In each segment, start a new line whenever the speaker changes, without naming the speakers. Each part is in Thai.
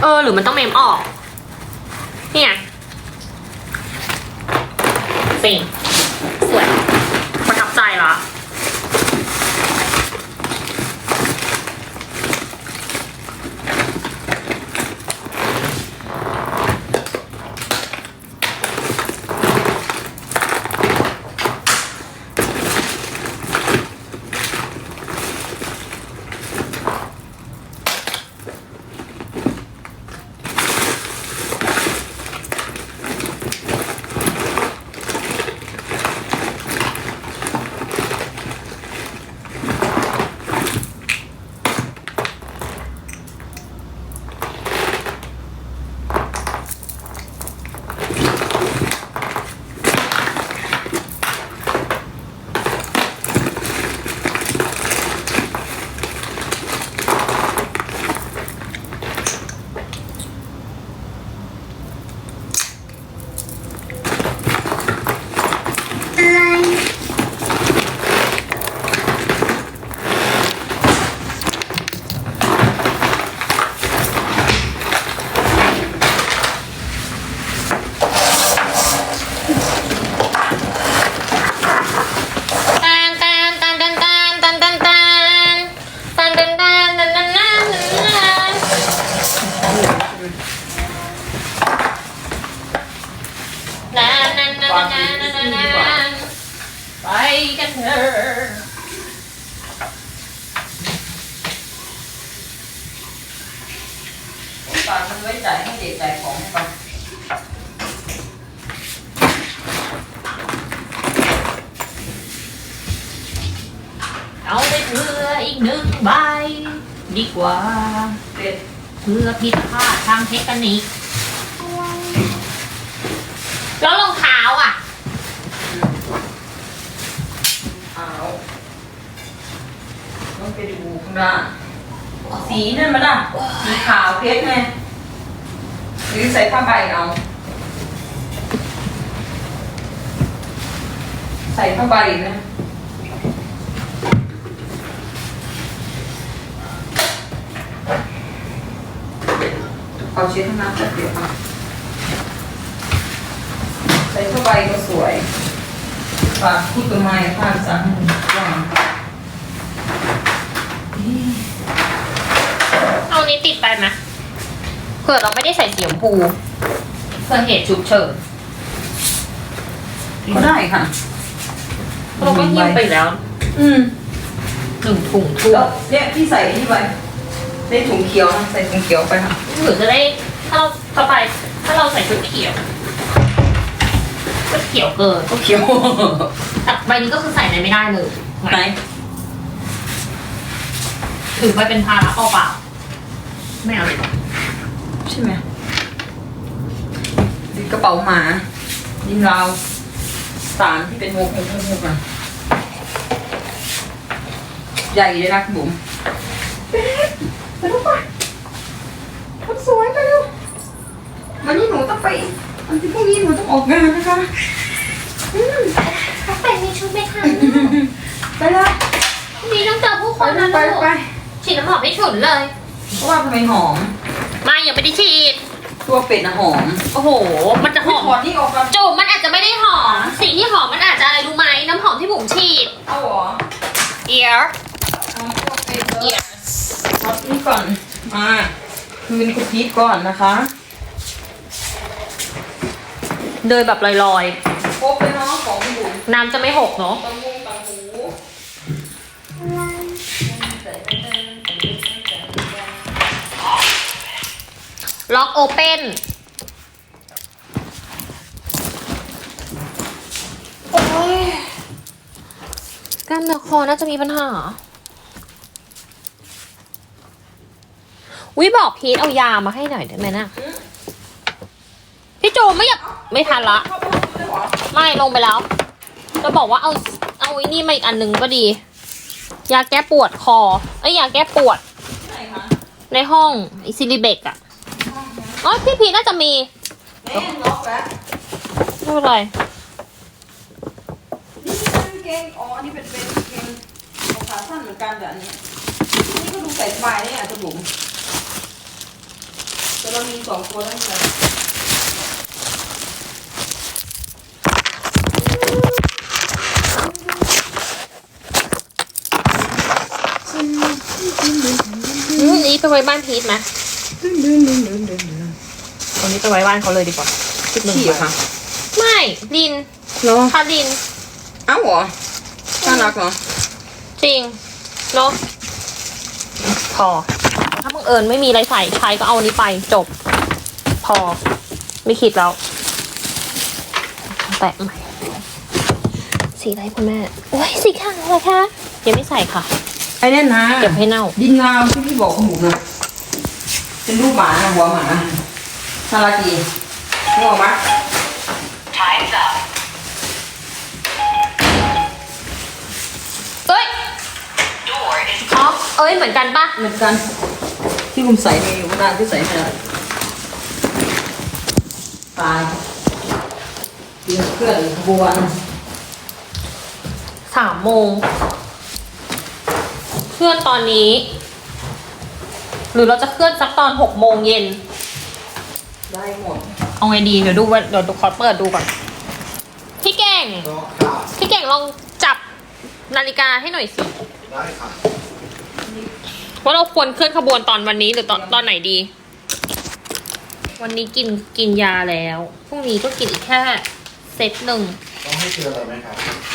หรือมันต้องเมมออกเนี่ยสิสวยประทับใจละไปกันเถอะ
ฝากมันไว้จ่ายให้เด็กจ่ายของให้ก่อน
เอาไปเพื่ออีก1 ใบดีกว่าเพื่อผิดพลาดทางเทคนิคแล้วรองเท้าอ่ะ
ต้องไปดูข้างหน้าสีนั่นมันอ่ะสีขาวเพชรไงหรือใส่ผ้าใบเอาใส่ผ้าใบนะเอาเช็ดข้างหน้าแป๊บเดียวค่ะใส่ผ้าใบก็สวยฝากพูดกับไม้ผ้าจังว่าง
เอานี้ติดไปไหมเผื่อเราไม่ได้ใส่สีชมพูเพื่อเหตุฉุกเฉิน
ก็ได้ค่ะ
เราก็หิ้วไปแล้ว1 ถุงทุ่ง
แล้วเนี่ยพี่ใส่นี่ไปได้ถุงเขียวนะใส่ถุงเขียวไปค่ะ
หรือจะได้ถ้าเราเข้าไปถ้าเราใส่ชุดเขียวก็เขียวเกิน
ก็เขียว
แต่ใบนี้ก็คือใส่ในไม่ได้เลย
ไหน
ถือไปเป็นภาระเปล่าไม่เอาเลย
ใช่ไหมดิกระเป๋าหมาดินราวสารที่เป็นมุกอ่ะใหญ่เลยนะคุณบุ๋มไปดูป่ะคนสวยไปเร็ววันนี้หนูต้องไปวันที่พรุ่งนี้หนูต้องออกงานนะคะ
เขาแต่งในชุดไม่ทัน
ไปเลย
นี่ต้องเจอผู้คนนะ
ไป
ลูก
ไป
ฉีดน้ำหอมให้ฉุนเลย
เพราะว่าทำไมหอม
ไม่ยังไม่ได้ฉีด
ตัวเป็ดนะหอม
โอ้โห มันจะหอม
ถอดนี่ออกกัน
จุ่มมันอาจจะไม่ได้หอม สิ่งที่หอมมันอาจจะอะไรรู้ไหมน้ำหอมที่บุ๋มฉีด
เอาเหรอ
ear
เอาตัวเป็ดเลย
ears
ถอดนี่ก่อนมาคืนคุณพีทก่อนนะคะ
เดินแบบลอย
ครบเลยเนาะของคุณบุ๋ม
ๆ น้ำจะไม่หกเนาะ
ตังหูตังหู
ล็อกโอเปนกล้ามเนื้อคอน่าจะมีปัญหาวิบอกพีทเอายามาให้หน่อยได้ไหมนะพี่โจไม่อยากไม่ทันละ ไม่ลงไปแล้วจะบอกว่าเอาไอ้นี่มาอีกอันหนึ่งก็ดี ยาแก้ปวดคอยาแก้ปวด
ไหนคะ
ในห้องไอซิลิเบกอะอ๋อพี่พีน่าจะมี
แม่ล็อกแล้ว
ไม่เป็นไร
นี่เป็นเกงอ๋อนี่เป็นเกงของขาสั้นเหมือนกันแต่อันนี้นี่ก็ดูใส่สบายได้อ่ะจะบุ๋มจะลเรามี2ตัวแล้วค่ะ
นี่ไปไว้บ้านพีทไหมตรงนี้ไปไว้บ้านเขาเลยดีกว่า
ฉี่ค่ะ
ไม่ลิน
เหรอ
คาลิน
เอ้าเหรอน่ารักเหรอ
จริงเนาะพอ ถ้าบังเอิญไม่มีอะไรใส่ใช้ก็เอาอันนี้ไปจบ พอ ไม่คิดแล้ว แตะใหม่ สีอะไรคุณแม่ โอ้ยสีขาวเหรอคะยังไม่ใส่ค่ะ
ไอ้เนี่ยนะ
เก็บให้เน่า
ดินงามที่พี่บอกหมูนะเป็นรูปหมานะหัวหมาน่ารักดีนึกออกไหม
เอ้ยอ๋อเอ้ยเหมือนกันปะ
เหมือนกันที่ผมใส่ในอยู่นานที่ใส่ไม่ได้ตายเพื่อนขบวน
3 โมง เคลื่อนตอนนี้ หรือเราจะเคลื่อนสักตอน6 โมงเย็น
ได้หมด
เอาไงดีเดี๋ยวดูว่าเดี๋ยวขอเปิดดูก่อน พี่เก่ง
ก็ค่ะ
พี่เก่งลองจับนาฬิกาให้หน่อยสิ
ได้ค่ะ
ว่าเราควรเคลื่อนขบวนตอนวันนี้หรือตอนไหนดี วันนี้กินยาแล้วพรุ่งนี้ก็กินอีกแค่เซตหนึ่ง
ต้องให้เตือนอะไรไหมครับ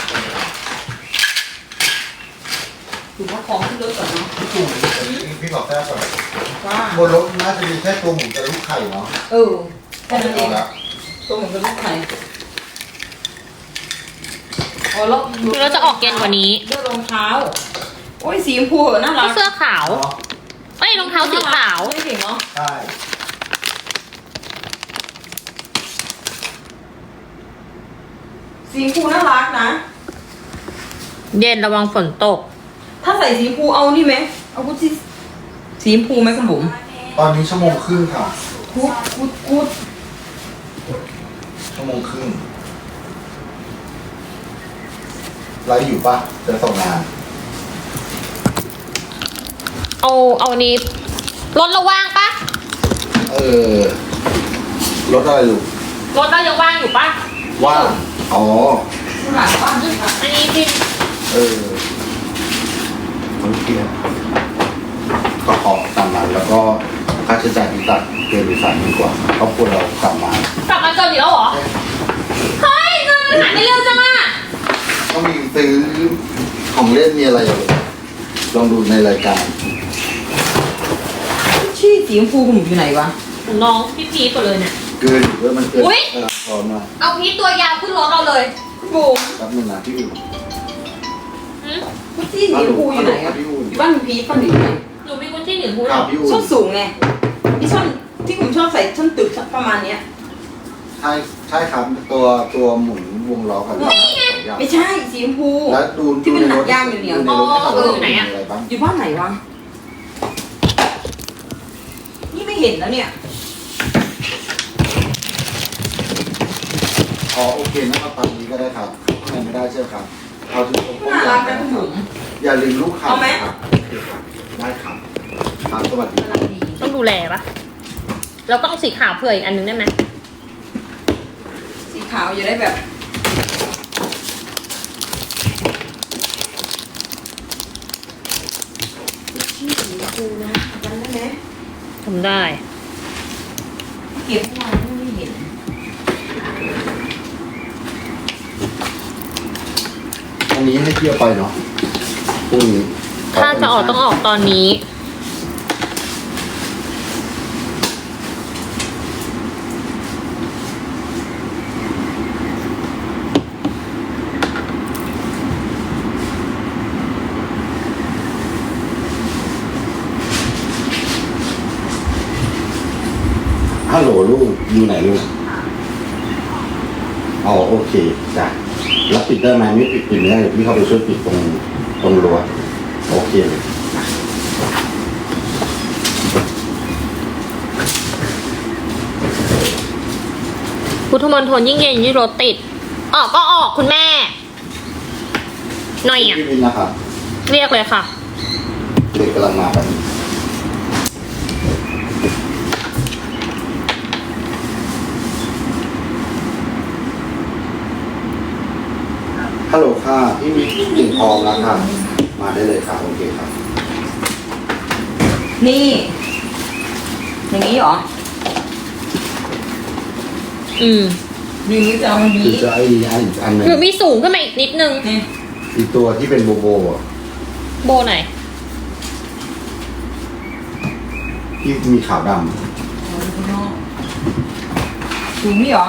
ถือว่าของที่รถก่อนเนาะ
พี่ตู่พี่บอกแค่ก่อน
ว่า
บนรถน่าจะมีแค่ตัวหมูกับลูกไข่เนาะ
แค่นั้นเอง
เอาละ
ตัวเหมือนกับลูกไข่อ๋อแล้ว
เราจะออกเย็นกว่านี้
เลือกรองเท้าโอ้ยสีชมพูน่ารั
ก็
ก
เสื้อขาว
เนาะ
เอ้ยรองเท้าสีขาว
ไม่เก่งเนาะ
ใช่
สีชมพูน่ารักนะ
เย็นระวังฝนตก
ถ้าใส่สีชมพูเอานี่ไหมเอากุชชี่สีชมพูไหมคุณบุ๋ม
ตอนนี้ชั่วโมงครึ่งค่ะ
กูด
ชั่วโมงครึ่งไลฟ์อยู่ปะจะส่งงาน
เอาอันนี้รถเราว่างปะ
เออรถอะไรลูก
รถเรายังว่างอยู่ปะ
ว่างอ๋อ
หลานบ้านด้วยค่ะ
อันนี้พี่
เออโอเคก็ขอตามนั้นแล้วก็ค่าใช้จ่ายที่ตัดเกินหรือ30,000 กว่าครอบครัวเรากลับมา
กลับมาเจออีกแล้วเหรอ เฮ้ยเงินมันหายไปเร็วจังอะ
ก็มีซื้อของเล่นมีอะไรอยู่ลองดูในรายการ
กุชชี่สีชมพูคุณบุ๋มอยู่ไหนวะ
ของน้องพี่พีทหมดเลยเนี่ย
เกินหรือว่ามันเกิน
อุ๊ย
พร้อมมา
เอาพีทตัวยาวขึ้นรถเราเลย
คุณบุ๋ม
แป๊บนึงนะพี่อุ่น
หืม
กุชชี่สีชมพูอยู่ไหนอะอยู่บ้านคุณพีทป้าหนิไหน
หนูมีกุญชี่หนึ่งพูด
ครับพี่อุ่น
ส้นสูงไงที่ส้นที่ผมชอบใส่ส้นตึกประมาณเนี้ย
ใช่ครับตัวหมุนวงล้อกัน
ไม่ใช่สีชมพู
แล้วดู
ที่มัน
ดู
หนั
ใร
ก
ถ
ย่างเหนียว
ดูในรถให้เรามีอะไรบ้าง
อยู่บ้านไหนวะ นี่ไม่เห็นแล้วเนี่ย
อ๋อโอเคนะครับตอนนี้ก็ได้ครับทำไมไม่ได้เชื่อครับเอาถึงตรง
น่ารักนะคุณบุ๋ม
อย่าลืมลูกค้า
เอาไหม
ครับได้ครับครับสวัสดี
น่ารักดี
ต้องดูแลปะเราก็เอาสีขาวเผื่ออีกอันนึงได้ไหม
สีขาวอยู่ได้แบบชื่อสีชมพูนะจำได้ไหม
ทำได้
เก็บเมื่อวานไม่เห็น
ตรงนี้ให้เที่ยวไปเนาะพรุ่งนี้
ถ้าจะออกต้องออกตอนนี้
ฮัลโหลลูกอยู่ไหนลูกอ๋อโอเคจ้ะแล้วปิดได้ไหมไม่ปิดไม่ได้เดี๋ยวพี่เข้าไปช่วยปิดตรงรั้วโอเคเลย
พุทธมณฑลยิ่งเย็นยิ่งรถติด ออกก็ออกคุณแม่ หน่อยอ่ะ
พี่บินนะครับ
เรียกเลยค่ะ
เด็กกำลังมาแบบฮัลโหลค่ะพี่มีกิ่งทองแล้วค่ะมาได้เลยค่ะโอเคครับ
นี่อย่างนี้เหรอ อย่างนี้จะเอาอย่าง
หรือ
นี้
จะไอ้อันหนึง
หรือมีสูงขึ้นมาอีกนิดนึง
นี่
อีกตัวที่เป็นโบโบอ่ะ
โบไหน
ที่มีขาวด
สูงนี่เหรอ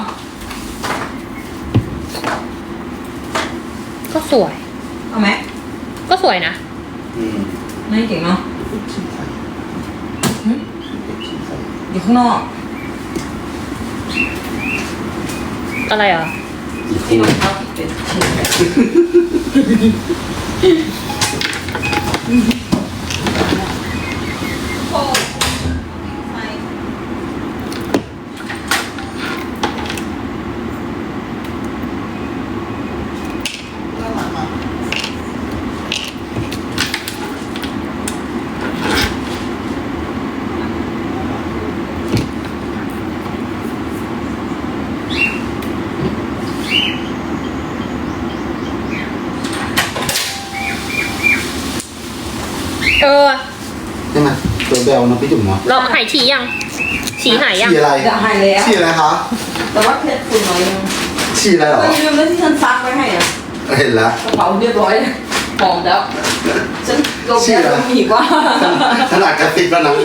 ก็สวย
เอาไหม
ก็สวยนะ
ำ
ไม่เก่งเนาะ
เป็นชิ้นใส่
หึ
เป็นชิ้นใส่
อยู่ข้างนอก
อะไรอ่ะ
อีก
ที่
คู่
รองเท้าที่เป็นชิ้นโอ้ใช่
เออ
ใช่ไหมตัวแบลนะพี่จุ๋มเนาะ
เราหายฉี่ยัง ฉี่หายยัง
ฉี่อะไร
จะหายแล้ว
ฉี่อะไรคะ
แต่ว่าเพชรคุณน้อยยัง
ฉี่อะไรเหรอ
ก็ลืมแล้วที่ฉันซักไว้ให้อ่ะ
เห็นแล้ว
กระเป๋าเรียบร้อยหอมแล้ว ฉันลงแล้วลงอีกว่า
ขนาดกระติบแล้วนะ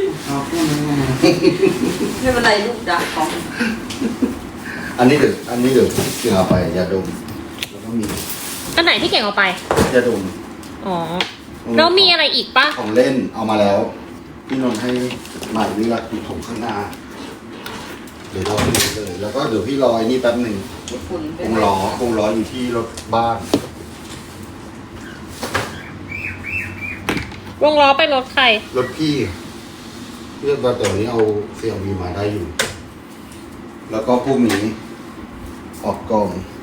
ไม่เป็นไรลูกจ้ะของ
อันนี้เดี๋ยวเกี่ยวเอาไปยาดมแล้วก็มี
อันไหนที่เก่งเอาไป
ยาดม
อ๋อ แล้วมีอะไรอีกปะ
ของเล่นเอามาแล้ว พี่นนท์ให้หมายเลือกอยู่ถงข้างหน้า เดี๋ยวรอพี่เลย แล้วก็เดี๋ยวพี่รอไอ้นี่แป๊บหนึ่ง
ฝุ่น
วงล้ออยู่ที่รถบ้าน
วงล้อไปรถใคร
รถพี่เลือกมาแต่วันนี้เอาเสี่ยวมีมาได้อยู่ แล้วก็พรุ่งนี้ออกกอง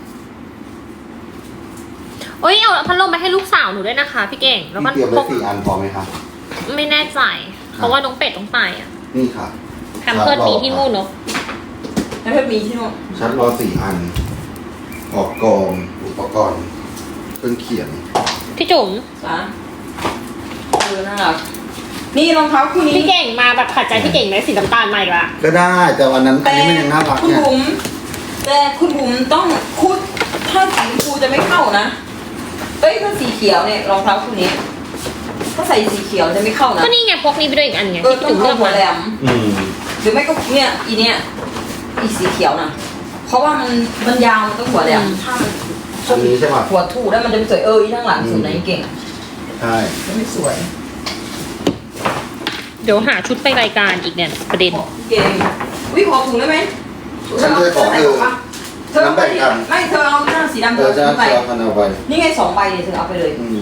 เอ้ย เอาพัดลมไปให้ลูกสาวหนูด้วยนะคะ พี่เก่ง แล้วก็
พี่เตรียมไว้4 อันพอไหมครับ
ไม่แน่ใจ เพราะว่าน้องเป็ดต้องไปอ่ะ
นี่ค่ะ
แคมเพิร์ดมีที่นู่นเนาะ
แล้วเพชรมีที่นู่น
ชัดรอ4 อัน ออกกองอุปกรณ์เครื่องเขียน
พี่จุ๋ม
จ้ะน่ารักนี่รองเท้าคู่นี้
พี่เก่งมาแบบขัดใจพี่เก่งไหมสีน้ำตาลมาอีกละ
ก็ได้แต่วันนั้นอันนี้มันยังน่ารัก
คุณ
เนี่ย
บุ๋มแต่คุณบุ๋มต้องคุดถ้าสีชมพูจะไม่เข้านะเอ้ยถ้าสีเขียวเนี่ยรองเท้าคู่นี้ถ้าใส่สีเขียวจะไม่เข้านะ
ก็นี่ไงพกนี้ไปด้วยอีกอันไง
เออ
ที่
ต้อ
จุ๋
ง
มเลื
เอา
อก
หัว
มา
แหลม
อืม
หรือไม่ก็เนี่ยอีสีเขียวนะเพราะว่ามันยาวมันต้องหัวแหลมถ้ามัน
อันนี้ใช่ป่ะ
หัวถูแล้วมันจะไม่สวยอีทั้งหลังสุดไหนเก่ง
ใช่
ไม่สวย
เดี๋ยวหาชุดไปรายการอีกเนี่ยประเด็น
เก่งวิขอถุงได้ไหม
ฉันเคยขอ
เธอ
น้ำแบ่งกัน
ไม่เธอเอาหน้าสีดำ
เธ
เธ
อ
อ
จะ
ซื้อไป
เอาพันเอาไป
นี่ไง2 ใบเนี่ยเธอเอาไปเลย
อืม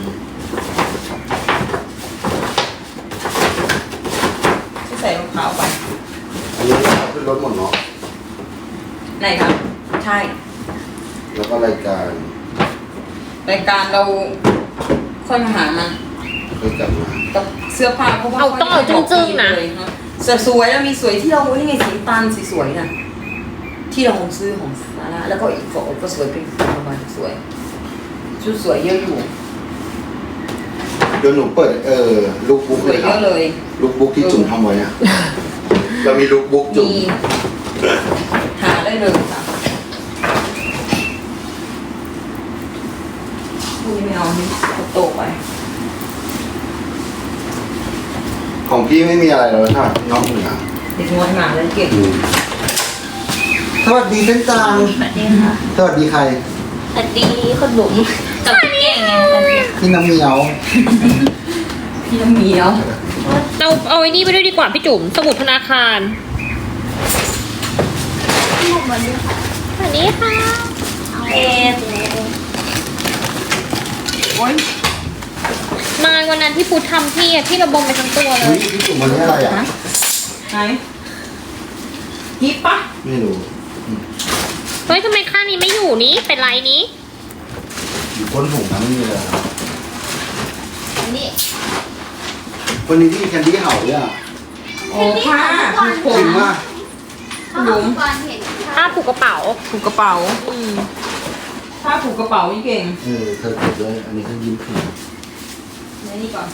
ใส่รองเท้าไป
อันนี้เอาขึ้นรถหมดเนาะ
ไหนครับใช่
แล้วก็รายการ
รายการเราค่อยมาหามัน
ค่อยกลับมา
กับเสื้อผ้าเพราะว่า
เอาต้องเอาจึ้งๆนะ
เสื้อสวยแล้วมีสวยที่เรานี่ไงสีน้ำตาลสีสวยน่ะที่เราซื้อของซาร่าแล้วก็อีกของก็สวยเป็นประมาณสวยชุดสวยเยอะอยู่
เดี๋ยวหนูเปิดลูกบุ๊ก
ส
เล
วย
ยค
เย
รับ
อะเลย
ลูกบุ๊กที่จุ่มทำไว้อะเรามีลูกบุ๊กจุ่ม
มีหาได้เลยค่ะพวกนี้ไม่เอาที่โตไป
ของพี่ไม่มีอะไรแล้วค่ะน้องเหนือ
เด็กน้อยมาแล้วเก่ง
อืมสวัสดีเส้นจาง
สวัสดีค่ะ
สวัสดีใคร
สวัสดีคนหนุ่มกับพี่เก่งไง
พี่น้ำเมียว
พี่น้ำเหมียว
เอาไอ้นี่ไปด้วยดีกว่าพี่จุ๋มสมุดธนาคารสวัสดีค่ะเอ็ด
โอ๊ย
มาวันนั้นที่พูดทำพี่อะพี่ระบมไปทั้งตัวเล
เฮ้ย
ย
พี่จุ่มมันนี้อะไรอ่ะ
ไหนฮิปปะ
ไม่รู้
เฮ้ยทำไมข้างนี้ไม่อยู่นี้เป็นไรนี้
อยู่ก้นถุงนะไม่มีเลยอะ
นี่
วันนี้พี่แคนดี้เห่าเนี่ย
โอ้ผ้าผูกผ
จริ
ม
งมาก
หลุม
ผ้าผูกกระเป๋า
ผูกกระเป๋า
อืม
ผ้าผูกกระเป๋านี่เก่ง
เธอเก็บด้วยอันนี้เธอยิ้มถึง
ในนี่ก่อน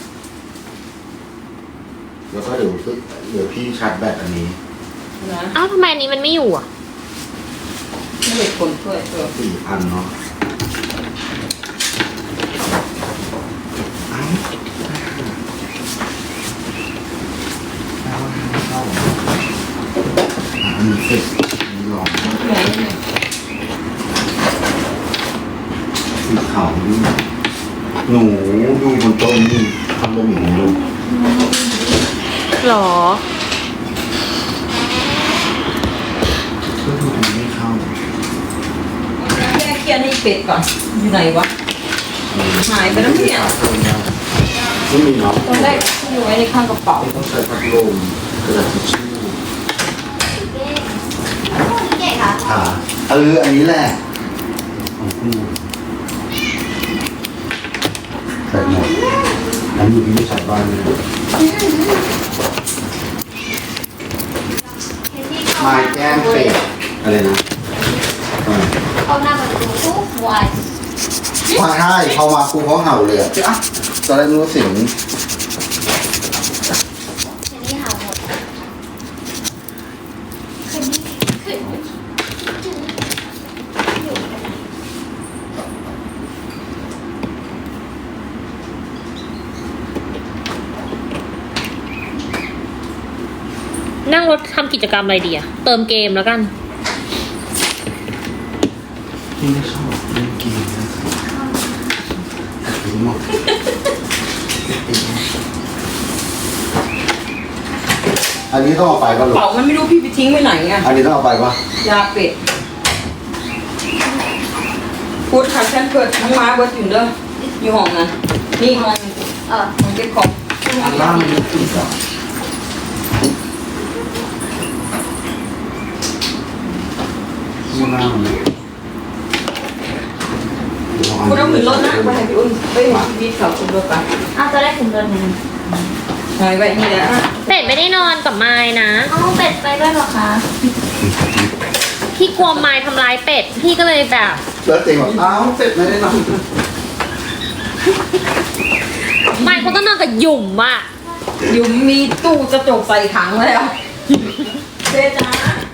แล้วก็เดี๋ยวพี่ชาร์จแบตอันนี้
นะ
อ้าวทำไมอันนี้มันไม่อยู่อ่ะ
ไม่เห็นคนช่วย
4,000เนาะเอ้าเข้าอันนี้เสร็จอันนี้ลอง
ไหน
สีขาวนี่หนูดูบนโต๊ะนี่ทำบะหมี่ลูก
หรอ
ก็ดูอันนี้ไม่เข้า
แม่เคลียร์ให้เป็ดก่อนอยู่ไหนวะหายไปแล้วเนี่ย
ไม่มีเนาะ
ตอนแรกอยู่ไว้ในข้างกระเป๋า
ต้องใช้พัดลมกระดาษทิชชู่
เก๋ค่ะ
ขาอันนี้แหละของพี่ใส่หมดอันนี้อยู่ที่ไม่ใส่บ้านเลยไม้แก้มเป็ดอะไรนะ
เข้าหน้าประตูทุกวัน
มาให้พอมาครูเขาเห่าเลยอ่ะอ่ะตอนแรกนึกว่าเสียง
เห็นนี่หาหมดนั่งรถทำกิจกรรมอะไรดีอะเติมเกมแล้วกัน
พี่ไม่ชอบเล่นเกมนะครับรู้หมดอันนี้ต้องเอาไปป่ะ
ก
ลู
ระ
ก
เป๋ามันไม่รู้พี่ไปทิ้งไว้ไหนไง
อันนี้ต้องเอาไปป่ะ
ยาเป็ดพูดค่ะฉันเกิดทั้งม้าเบิร์ดอยู่เด้ออยู่ห้องนั้นนี่ห้องห้องเก็บของ
อันล่างมันติดอ่ะ ข้างล่างมัน
คุณเอาขึ้นรถนะไปให้พี่อุ้นไปให้พี่วิทย์เขาขึ้นรถไป
อ้าวจะได้ถึงเดือนนึง
ใช่ไว้นี่แหละ
เป็ดไม่ได้นอนกับไม้นะอ้าวเป็ดไปด้วยเหรอคะ พี่กลัวไม้ทำร้ายเป็ด พี่ก็เลยแบบ
แล้วเจ๋งบอกอ้าวเสร็จไม่ได้นอน
ไม้เขาต้องนอนกับหยุ่มอ่ะ
อยู่มีตู้กระจกใส่ถังแล้วเจ๊จ้า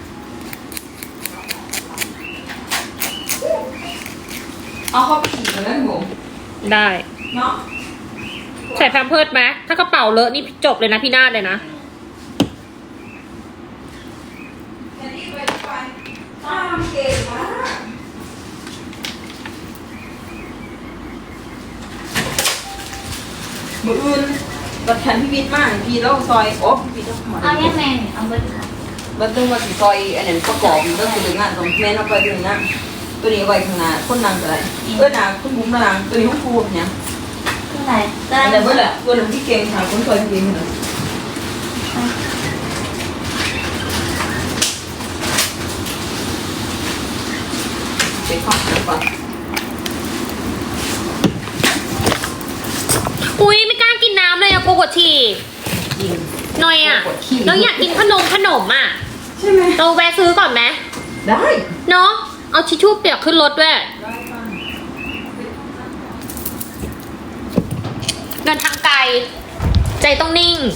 เอาเข้าไปขี่กันแล้วผม
ได้
เนาะ
ใส่แพมเพิร์ดไหมถ้ากระเป๋าเลอะนี่จบเลยนะพี่นาฏเลยนะ
แค่นี้ไปไปตามเก่งมากมืออื่นบัดแทนพี่วิทย์มากพี่แล้วซอยโอ้พี่วิทย์ต้องหมด
เอาแยกแมงเอาเบิร์ดค่ะ
บัดต้องมาสิซอยอันนั้นประกอบเรื่องตัวงานตรงแม่นเอาไปตัวงานตัวนี้ไว้ข้างหน้าคนนางอะไรนางคุณบุ้มนางตัวนี้ห้องครูเนี่ย
คือไหน
แต่เมื่อแหละตัวหนึ่งที่เก่งค่ะคนซอยพี่วิทย์เลยไปข้าวก่อน
อุ้ยไม่กล้ากินน้ำเลยอะกลัวกดฉี่
ยิง
หน่อยอะแล้วอยากกินขนมอะ
ใช่ไหม
เราแวะซื้อก่อนไหม
ได้
เนาะเอาทิชชู่เปียกขึ้นรถด้วยเดินทางไกล ใจต้องนิ่ง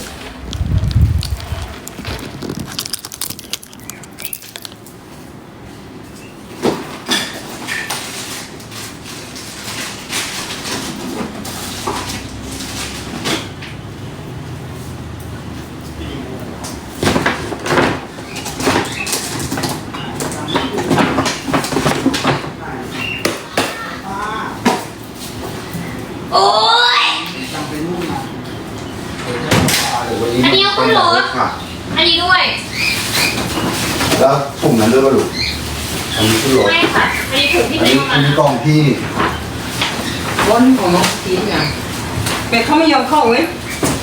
โอ้ย
จำไปนู่นนะเดี๋ยววัน
อันนี้เอาขึ้นรถ
ค่ะ
อันนี้ด้วย
แล้วถุงนั้นด้วยป่ะลูกอันนี้ขึ้นรถ
ไม่ค่ะ อันนี้ถุงที่
อัน
เป็น
นี้อันนี้กล่องพี่
บนของน้องทีเนี่ยเป็ดเขาไม่ยอมเข้าเว้ย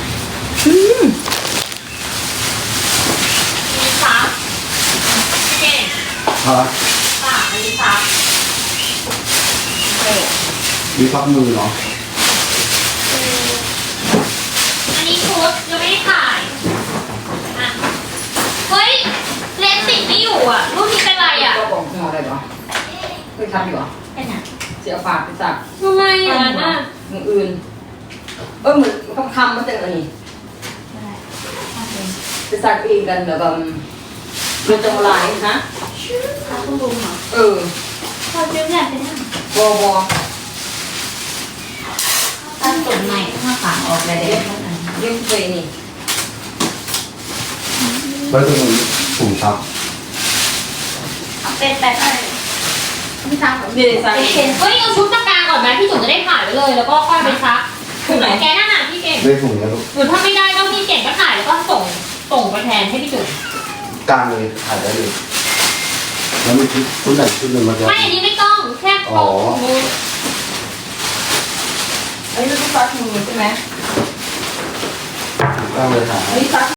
มีซับเก่ง
ฮะ
ค่ะอันนี้ซับ
มีพักมือเนาะ
อันนี้ชุดยังไม่ได้ถ่ายอ่ะเฮ้ยเลนส์ติดไม่อยู่อ่ะ รุ่นนี้เป็นไรอ่ะ
ก็บอกหมอได้ปะเคยทำอยู่ปะ
เป็นอ่ะ
สียฝากไปสัก
ทำไมอย่างนั้นน่ะ
อย่างอื่นเหมือนเขาทำมาจากอันนี้ไปสักเองกันแล้วก็เรื่องจังหวะนะ
ถ้าคุณลุงเหรอ
พอจิ้มเนี่ยเป็นบอบอ
ถ้าส่วนใหม่ถ้าฝางออกเลยเด็กมันอัน
เรื่องไปนี่
แล้วตรงนี้ถุงซัก
เอาเป็นแบบอะไรไม่ทำแบบ
นี่เลยสัก
เป็น
เอ
เช่
ง
น
เฮ้ยเอาชุดตะกร้าก่อนไหมพี่จุ๋มจะได้ถ่ายไว้เลย แล้วก็ค่อยไปซัก
ที่ไหน
แกนั่นน่ะพี่เก่ง
ได้ถุงแล้วลูก
หรือถ้าไม่ได้ก็พี่เก่งก็ถ่ายแล้วก็ส่งไปแทนให้พี่จุ๋ม
กลางเลยถ่ายได้เลยแล้วมีชุดไหนชุดหนึ่งมาจะ
ไม่อันนี้ไม่ต้องแค่ตรงมือ
อันนี้ต้องซักมือใช่ไหม
กลางเลยถ่าย
อันนี้ซัก